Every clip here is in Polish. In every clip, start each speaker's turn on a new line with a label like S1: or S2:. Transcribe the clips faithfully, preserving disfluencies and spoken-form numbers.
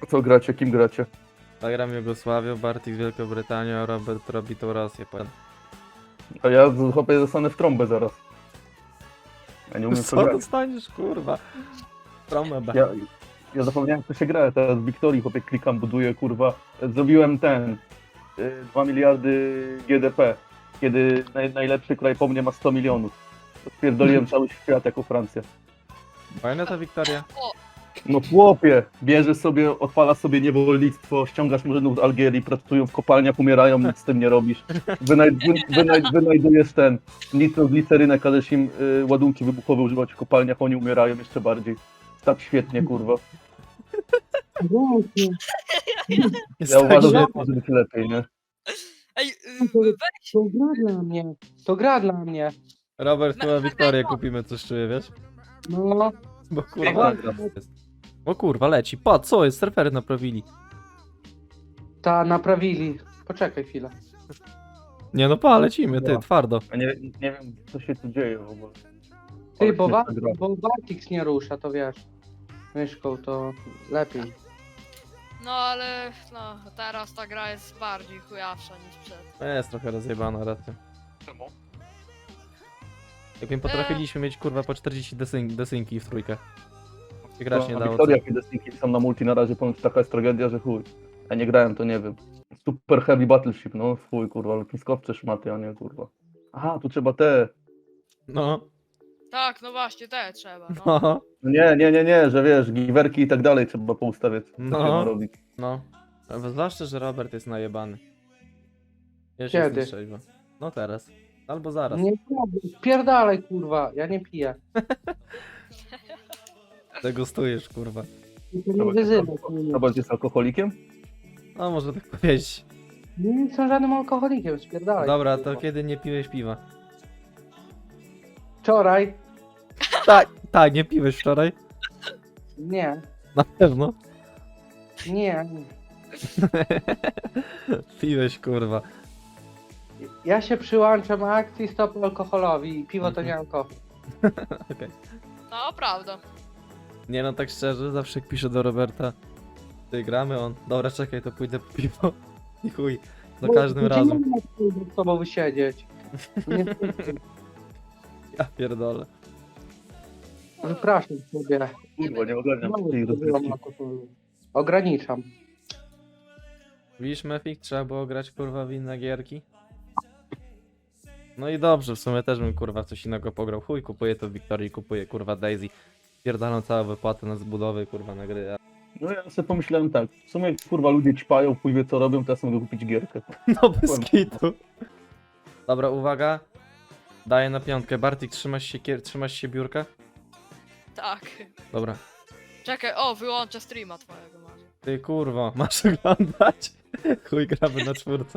S1: Co gracie? Kim gracie?
S2: Zagram Jugosławią, Bartik z Wielką Brytanią, a Robert robi tą Rosję. powiem.
S1: A ja z- chłopie zostanę w trąbę zaraz. Ja nie umiem w to
S2: Co
S1: grać.
S2: dostaniesz, kurwa? Tromę B.
S1: Ja, ja zapomniałem, jak to się gra. Teraz w Wiktorii chłopie klikam, buduję, kurwa. Zrobiłem ten y, dwa miliardy G D P. Kiedy naj, najlepszy kraj po mnie ma sto milionów. Spierdoliłem cały świat jako Francja.
S2: Fajna ta Wiktoria.
S1: No chłopie, bierzesz sobie, odpalasz sobie niewolnictwo, ściągasz murzynów z Algierii, pracują w kopalniach, umierają, nic z tym nie robisz. Wynajd, wy, wynajd, wynajdujesz ten nitro z glicerynę, każesz im y, ładunki wybuchowe używać w kopalniach, oni umierają jeszcze bardziej. Tak świetnie, kurwa.
S3: Właśnie,
S2: Jest
S1: Ja
S2: tak
S1: uważam, że
S2: świetnie.
S1: może być lepiej, nie?
S4: Ej,
S3: to,
S4: y, weź,
S3: to gra dla mnie. To gra dla mnie.
S2: Robert, chyba
S4: Me-
S2: Wiktorię
S4: mega-
S2: kupimy, coś czuję, wiesz?
S3: No,
S2: Bo kurwa...
S1: Piękna gra.
S2: jest. O kurwa, leci. Pa, co jest? Surfery naprawili.
S3: ta naprawili. Poczekaj chwilę.
S2: Nie no, pa, lecimy, ty,
S1: No.
S2: twardo.
S1: A nie, nie wiem, co się tu dzieje w ogóle.
S3: Ty,
S1: Ale
S3: bo,
S1: świetna
S3: Wa-
S1: gra.
S3: bo Bartix nie rusza, to wiesz. Myszką to lepiej.
S4: no ale no, teraz ta gra jest bardziej chujawsza niż przed.
S2: Jest trochę rozjebana, racja.
S1: Czemu?
S2: Jakbym potrafiliśmy mieć kurwa po czterdzieści desyn desynki w trójkę. I grać nie
S1: No,
S2: dało.
S1: Wiktoria,
S2: co?
S1: kiedy Destinki są na multi na razie, ponoć taka jest tragedia, że chuj. Ja nie grałem, to nie wiem. Super Heavy Battleship, no chuj, kurwa, lotniskowce szmaty, a nie kurwa. Aha, tu trzeba te.
S2: No,
S4: Tak, no właśnie, te trzeba, no.
S2: no,
S1: No nie, nie, nie, nie, że wiesz, giwerki i tak dalej trzeba poustawiać. Co
S2: No.
S1: się ma robić.
S2: no. A zwłaszcza, że Robert jest najebany. Ja się
S3: Kiedy?
S2: jestem trzeźwo. No teraz. Albo zaraz.
S3: Nie pierdalaj, kurwa, ja nie piję.
S2: Degustujesz, kurwa.
S3: I to nie wyzywaj, kurwa.
S1: Robert jest alkoholikiem?
S2: No, może tak powiedzieć.
S3: Nie jestem żadnym alkoholikiem, spierdalaj.
S2: Dobra, to
S3: kurwa.
S2: kiedy nie piłeś piwa?
S3: Wczoraj?
S2: Tak, tak, nie piłeś wczoraj?
S3: Nie,
S2: Na pewno.
S3: nie.
S2: Piłeś, kurwa.
S3: Ja się przyłączam akcji Stop Alkoholowi i piwo to
S2: Mhm.
S3: nie alkohol.
S2: Okej.
S4: No, prawda.
S2: Nie no, tak szczerze, zawsze jak piszę do Roberta, ty gramy, on, dobra, czekaj, to pójdę po piwo. I chuj, za każdym
S3: Gdzie
S2: razem.
S3: nie mogę z tobą wysiedzieć? Nie,
S2: Ja pierdolę.
S3: wypraszam sobie.
S1: Kurwa, nie ogarniam
S3: Znowu
S1: tej
S3: spożywam
S1: rozgrywki.
S3: alkoholu. Ograniczam.
S2: Widzisz, Mefik, trzeba było grać kurwa w inne gierki. No i dobrze, w sumie też bym kurwa w coś innego pograł. Chuj, kupuję to w Wiktorii, kupuję kurwa Daisy. Pierdalam całą wypłatę na zbudowy kurwa na gry. a-
S1: No ja sobie pomyślałem tak, w sumie kurwa ludzie ćpają, chuj wie co robią, teraz mogę kupić gierkę.
S2: No bez kitu. Dobra, uwaga. Daję na piątkę. Bartik, trzymasz się, kier- trzymasz się biurka?
S4: Tak.
S2: Dobra.
S4: Czekaj, o, wyłączę streama twojego może.
S2: Ty kurwa, masz oglądać? Chuj, gramy na czwórce.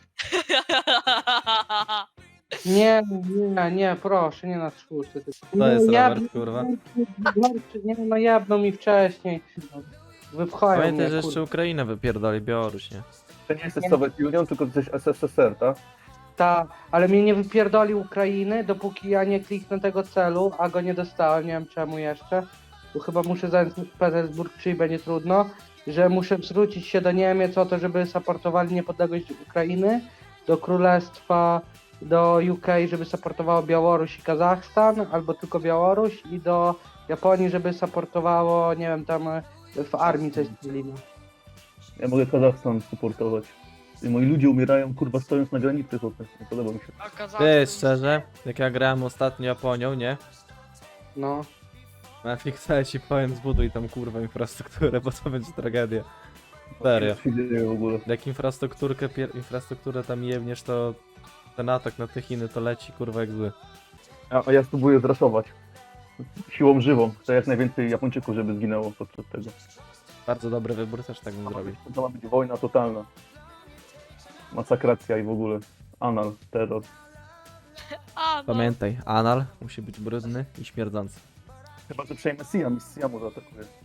S3: Nie, nie, nie, proszę, nie na czwórce.
S2: To jest
S3: ja,
S2: Robert, kurwa.
S3: Nie, no jabną mi wcześniej. Wypchają
S2: Pamiętaj,
S3: mnie,
S2: że jeszcze
S3: kurwa.
S2: Ukrainę wypierdoli, Białoruś, nie?
S1: To nie jesteś Soviet Union, tylko jesteś S S S R, tak?
S3: Ta, ale mnie nie wypierdoli Ukrainy, dopóki ja nie kliknę tego celu, a go nie dostałem, nie wiem czemu jeszcze. Bo chyba muszę zająć Petersburg, czyli będzie trudno, że muszę zwrócić się do Niemiec o to, żeby supportowali niepodległość Ukrainy, do Królestwa, do U K, żeby supportowało Białoruś i Kazachstan, albo tylko Białoruś, i do Japonii, żeby supportowało, nie wiem, tam w armii coś zrobili.
S1: Ja mogę Kazachstan supportować. I moi ludzie umierają, kurwa, stojąc na granicy, chłopie. Nie podoba mi się.
S4: A
S2: Ty,
S4: Kazachstan-
S2: szczerze, jak ja grałem ostatnio Japonią, nie?
S3: No.
S2: Na fiksę ci powiem, zbuduj tam kurwa infrastrukturę, bo to będzie tragedia. Serio.
S1: Co się dzieje w ogóle?
S2: Jak infrastrukturkę, pier- infrastrukturę tam jebniesz, to ten atak na te Chiny to leci kurwa jak zły.
S1: A, a ja spróbuję zraszować. Siłą żywą. Chcę jak najwięcej Japończyków, żeby zginęło podczas tego.
S2: Bardzo dobry wybór, też tak bym zrobił.
S1: To ma być wojna totalna. Masakracja i w ogóle. Anal, terror.
S4: A, no.
S2: Pamiętaj, anal musi być brudny i śmierdzący.
S1: Chyba, że przejmę Siam i z Siamu zaatakuje.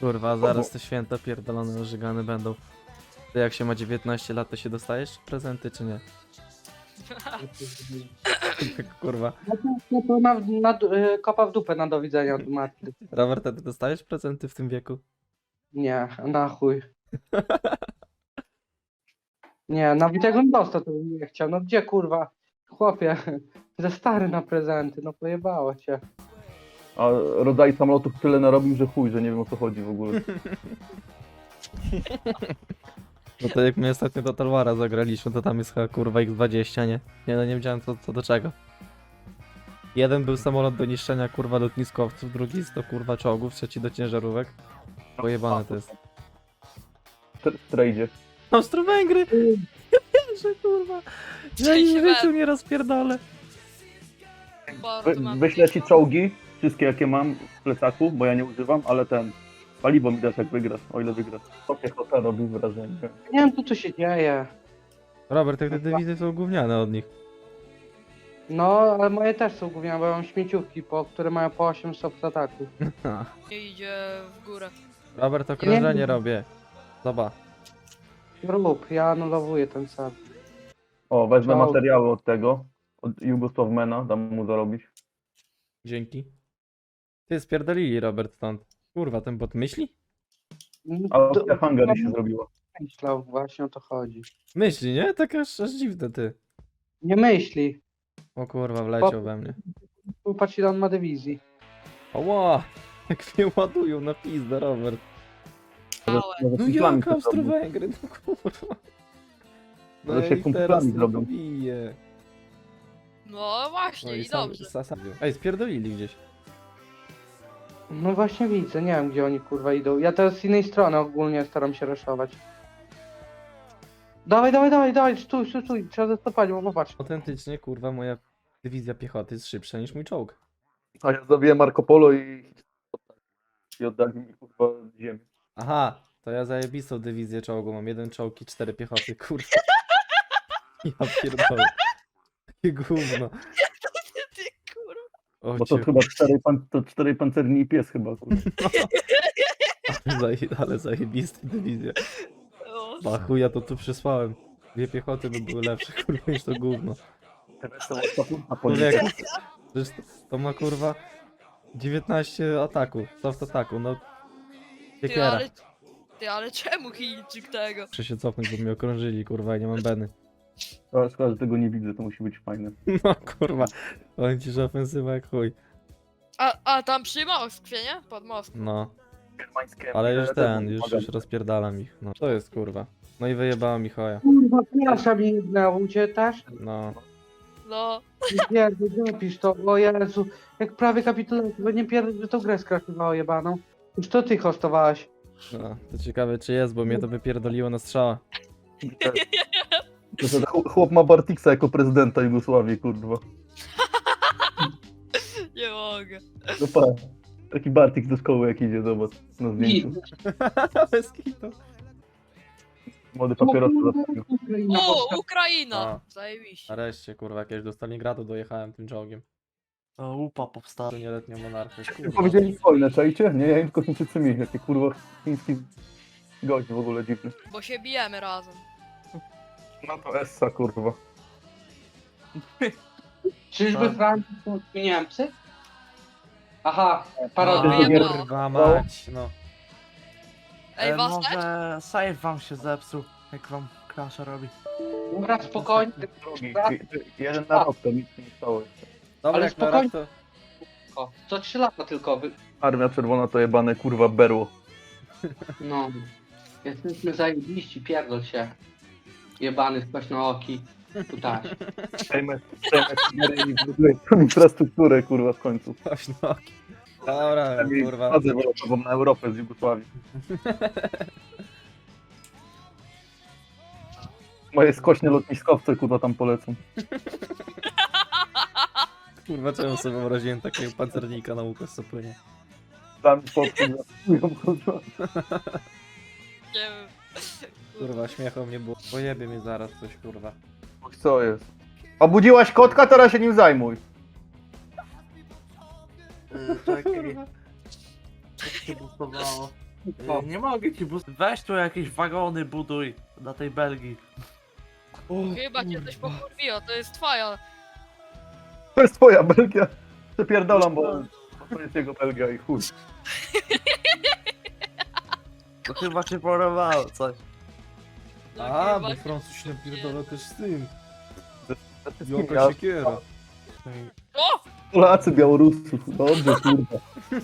S2: Kurwa, zaraz te święta pierdolone ożygane będą. Ty jak się ma dziewiętnaście lat, to się dostajesz prezenty, czy nie? Kurwa.
S3: No to, no to na, na, y, kopa w dupę na do widzenia od matki.
S2: Robert, a ty dostajesz prezenty w tym wieku?
S3: Nie, na chuj. Nie, nawet jak on dostał, to bym nie chciał. No gdzie kurwa? Chłopie, za stary na prezenty, no pojebało cię.
S1: A rodzaj samolotów tyle narobił, że chuj, że nie wiem o co chodzi w ogóle.
S2: No to jak my ostatnio Total War'a zagraliśmy, to tam jest chyba kurwa ich dwadzieścia, nie? Nie no, nie wiedziałem co, co do czego. Jeden był samolot do niszczenia kurwa lotniskowców, drugi to kurwa czołgów, trzeci do ciężarówek. Pojebane to jest.
S1: W trejdzie.
S2: Austro-Węgry! Ja wierzę, kurwa! Ja im w życiu nie rozpierdolę.
S1: Wy, wyślę ci czołgi, wszystkie jakie mam w plecaku, bo ja nie używam, ale ten... Paliwo mi dasz jak wygrasz, o ile wygrasz. To piechota robi wrażenie.
S3: Nie wiem tu co się dzieje.
S2: Robert, jak te dywizje są gówniane od nich.
S3: No, ale moje też są gówniane, bo ja mam śmieciówki, po, które mają po osiem stopni ataku.
S4: Nie idzie w górę.
S2: Robert, okrążenie robię. Zobacz.
S3: Rób, ja anulowuję ten sam.
S1: O, wezmę
S3: Czołg.
S1: materiały od tego, od Jugosławmena, dam mu zarobić.
S2: Dzięki. Ty spierdolili Robert stąd. Kurwa, ten bot myśli?
S1: A Austria Hungary się zrobiła.
S3: Myślał, właśnie o to chodzi.
S2: Myśli, nie? Tak aż, aż dziwne ty.
S3: Nie myśli.
S2: O kurwa, wleciał we mnie.
S3: Popatrz ile on ma dywizji.
S2: Oła! Jak mnie ładują na pizdę, Robert.
S4: Małe.
S1: Może
S2: No
S1: kumplami
S2: jak
S1: to zrobił.
S2: Austro-Węgry, no kurwa. No
S1: Ale się
S2: i
S1: kumplami
S2: teraz tylko
S1: zrobią.
S2: bije.
S4: No właśnie, i
S2: sam-
S4: dobrze.
S2: sa- sam- Ej, spierdolili gdzieś.
S3: No właśnie widzę, nie wiem gdzie oni kurwa idą. Ja teraz z innej strony ogólnie staram się raszować. Dawaj, dawaj, dawaj, dawaj, stój, stój, stój, trzeba zastopować, bo popatrz.
S2: Autentycznie, kurwa, moja dywizja piechoty jest szybsza niż mój czołg.
S1: A ja zabiję Marco Polo i... I oddali mi kurwa ziemię.
S2: Aha, to ja zajebistą dywizję czołgu, mam jeden czołg i cztery piechoty, kurwa. Ja pierdolę. Takie gówno.
S4: Ty kurwa.
S2: O
S1: Bo to
S2: cię,
S1: chyba cztery, pan, to cztery pancerni i pies chyba kurwa.
S2: zaje, ale zajebista dywizja.
S4: O,
S2: A chuja to tu przysłałem. Dwie piechoty by były lepsze, kurwa, niż to gówno.
S1: A
S2: Człowieku, przecież to, to ma kurwa dziewiętnaście ataku, soft ataku, no.
S4: ty,
S2: Siekiera.
S4: ale... Ty, ale czemu Chińczyk tego?
S2: Muszę się cofnąć, bo mnie okrążyli, kurwa, i nie mam beny.
S1: Ale szkoda, że tego nie widzę, to musi być fajne.
S2: No kurwa, powiem ci, że ofensywa jak chuj.
S4: A, a tam przy Moskwie, nie? Pod Moskwą.
S2: No,
S1: Germańskie.
S2: ale już ten, już, już rozpierdalam ich. No, to jest kurwa. No i wyjebała mi choja.
S3: Kurwa, klasa mi jednęła, u ciebie też?
S2: No,
S4: No.
S3: Nie, zapisz to, o Jezu. Jak prawie kapitulacja, bo nie pierdolę, że tą grę skraszowało jebaną. Już to ty hostowałeś.
S2: no, to ciekawe czy jest, bo mnie to wypierdoliło na strzała.
S1: To, że chłop ma Bartiksa jako prezydenta Jugosławii, kurwa.
S4: Nie mogę.
S1: No pa, taki Bartik do szkoły jak idzie, zobacz, na zdjęciu.
S2: Bez kitu.
S1: Młody papierosa zastawił.
S4: O, Ukraina!
S2: A.
S4: Zajebiście.
S2: Nareszcie, kurwa, jakieś do Stalingradu dojechałem tym czołgiem.
S5: To upa powstała.
S2: To nieletnią monarchię,
S1: Ty
S2: kurwa.
S1: powiedzieli wojnę, czajcie? Nie, ja im tylko Chińczycy mieli, jaki kurwa chiński gość w ogóle dziwny.
S4: Bo się bijemy razem.
S1: No to Essa, kurwa.
S3: Czyżby
S5: Tak.
S3: Francja to Niemcy? Aha,
S4: No,
S3: parodia.
S4: wyjebało.
S2: Kurwa mać, no.
S4: Ej,
S5: E,
S4: was też?
S5: może save wam się zepsuł, jak wam crasha robi.
S3: Dobra, spokojnie.
S1: Drugi, jeden na rok, to nic nie stało jeszcze.
S2: Dobra,
S3: Ale
S2: jak na
S3: spokojnie.
S2: rak, to...
S3: O, co trzy lata tylko. Wy...
S1: Armia Czerwona to jebane kurwa berło.
S3: No. Jesteśmy zajebiści, pierdol się. Jebany skośnooki. Tutaj.
S1: Przejmę, przejmę kamerę i zbuduję tą infrastrukturę kurwa w końcu.
S2: Oś nogi. Dobra, kurwa.
S1: Chodzę wylotową na Europę z Jugosławii. Moje skośne lotniskowce kurwa tam polecą.
S2: Kurwa, czemu sobie wyobraziłem takiego pancernika na łuku co płynie.
S1: Tam podpływają kurwa.
S4: Nie wiem.
S2: Kurwa, śmiechu mnie było. Pojebie mnie zaraz coś, kurwa.
S1: Oj, co jest? Obudziłaś kotka, teraz się nim zajmuj.
S5: Yy, czekaj. Jak się bustowało. Nie, nie mogę ci bus... Weź tu jakieś wagony buduj na tej Belgii.
S4: Chyba cię coś pokurwiło, to jest twoja.
S1: To jest twoja Belgia. Przepierdolam, bo bo to jest jego Belgia i chuj.
S5: To chyba się porowało coś.
S4: No,
S2: A,
S4: chyba
S2: bo
S4: cię-
S2: Francuz się napierdala też z tym.
S1: Ze wszystkimi
S2: Jaka siekiera.
S4: O!
S1: Polacy, Białorusów. Dobrze, kurwa.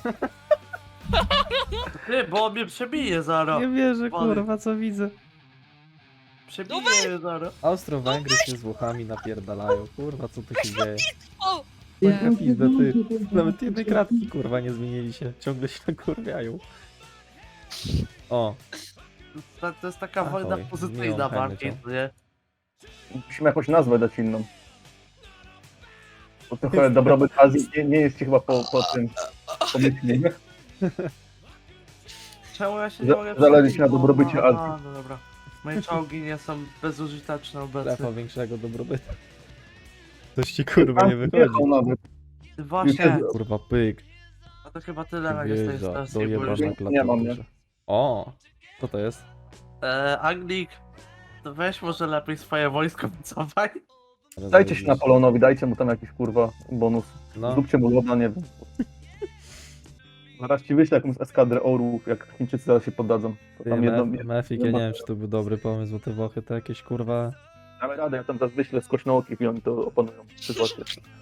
S5: Ty, bo on mnie przebije zaraz.
S2: Nie wierzę,
S5: Wody.
S2: kurwa, co widzę.
S5: Przebije mnie zaraz.
S2: Austro-Węgry się z Włochami napierdalają. Kurwa, co tu się dzieje?
S4: O!
S2: Jaka pizda, ty. Nawet jednej kratki, kurwa, nie zmienili się. Ciągle się nakurwiają. O,
S5: To, to jest taka
S2: Ahoj,
S5: wojna
S2: miło,
S5: pozytywna
S2: fajnie,
S5: bardziej,
S2: co?
S5: to nie?
S1: Musimy jakąś nazwę dać inną. Bo trochę dobrobyt Azji nie, nie jest ci chyba po, po tym pomyślnie, nie?
S5: Czemu ja się
S1: Za-
S5: nie mogę
S1: zależy
S5: przebić?
S1: ci na dobrobycie
S5: A,
S1: Azji.
S5: no dobra. Moje czołgi nie są bezużyteczne obecnie.
S2: strefa większego dobrobytu. Coś ci, kurwa, nie wychodzi.
S1: Jechał nawet.
S5: Właśnie,
S2: Kurwa, pyk.
S5: a to chyba tyle na z tej
S2: Wjeżdża,
S5: stacji, bo już...
S2: dojebana
S1: nie mam, nie?
S2: klawiaturze. O, co to jest?
S5: E, Anglik, to weź może lepiej swoje wojsko wycofaj.
S1: Dajcie się Napoleonowi, dajcie mu tam jakiś kurwa bonus.
S2: No,
S1: Zróbcie mu loda, nie wiem. Zaraz ci wyślę jakąś eskadrę orłów, jak Chińczycy zaraz się poddadzą. To
S2: ty,
S1: tam jedno,
S2: Mef-
S1: jedno,
S2: Mefik, ja nie wiem, czy to był dobry pomysł, bo te Włochy to jakieś, kurwa...
S1: damy radę, ja tam zaraz wyślę skośnookich i oni to opanują. Przyzwocie.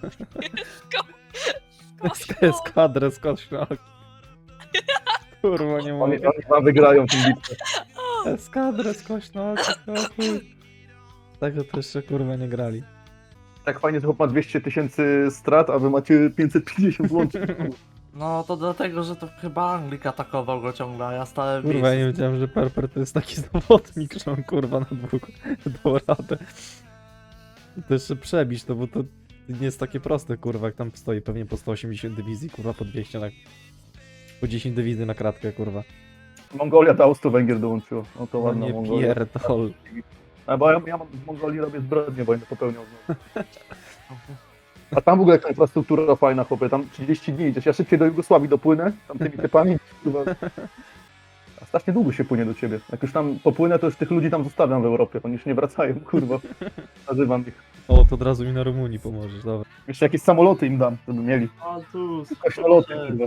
S2: Eskadrę z kośno. Kurwa, nie
S1: Oni,
S2: mogę.
S1: oni wam wygrają tę bitwę.
S2: Eskadrę z kośno, chuj. Tego to jeszcze, kurwa, nie grali.
S1: Tak fajnie, że chłop ma dwieście tysięcy strat, a wy macie pięćset pięćdziesiąt łącznie.
S5: No to dlatego, że to chyba Anglik atakował go ciągle, a ja stałem w
S2: Kurwa, ja nie
S5: miejscu.
S2: wiedziałem, że Perper to jest taki zawodnik, że on, kurwa, na dwóch dał radę. To jeszcze przebić to, bo to nie jest takie proste, kurwa, jak tam stoi pewnie po sto osiemdziesiąt dywizji, kurwa, po dwieście na... Po dziesięć dywizji na kratkę, kurwa.
S1: Mongolia do Austro-Węgier dołączyła. No to
S2: No
S1: ładna
S2: nie
S1: Mongolia.
S2: pierdol.
S1: A bo ja, ja mam w Mongolii robię zbrodnie, bo będę popełniał znowu. A tam w ogóle jaka infrastruktura fajna, chłopie, tam trzydzieści dni idziesz. Ja szybciej do Jugosławii dopłynę, tam tymi typami, kurwa. A strasznie długo się płynie do ciebie. Jak już tam popłynę, to już tych ludzi tam zostawiam w Europie, oni już nie wracają, kurwa. Nazywam ich.
S2: O, to od razu mi na Rumunii pomożesz, dobra.
S1: Jeszcze jakieś samoloty im dam, żeby mieli.
S5: O tu,
S1: Kośnoloty, kurwa.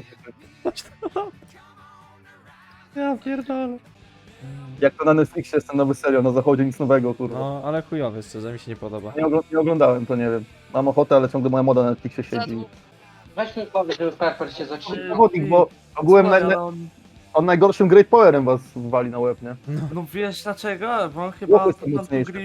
S2: Ja pierdolę.
S1: Jak to na Netflixie jest ten nowy serial, na zachodzie nic nowego, kurwa.
S2: No, ale chujowy, szczerze, mi się nie podoba.
S1: Nie, ogl- nie oglądałem, to nie wiem. Mam ochotę, ale ciągle moja moda na Netflixie
S4: Za
S1: siedzi.
S4: długo.
S3: Weź mi powiedz, żeby Pepper się zatrzymał.
S1: Zawodnik, bo ogółem na,
S5: ale
S1: na,
S5: on...
S1: on najgorszym Great Powerem was wali na łeb, nie?
S5: No wiesz dlaczego? Bo on chyba
S1: Chłopy są
S5: od początku
S1: mocniejsze.
S5: gry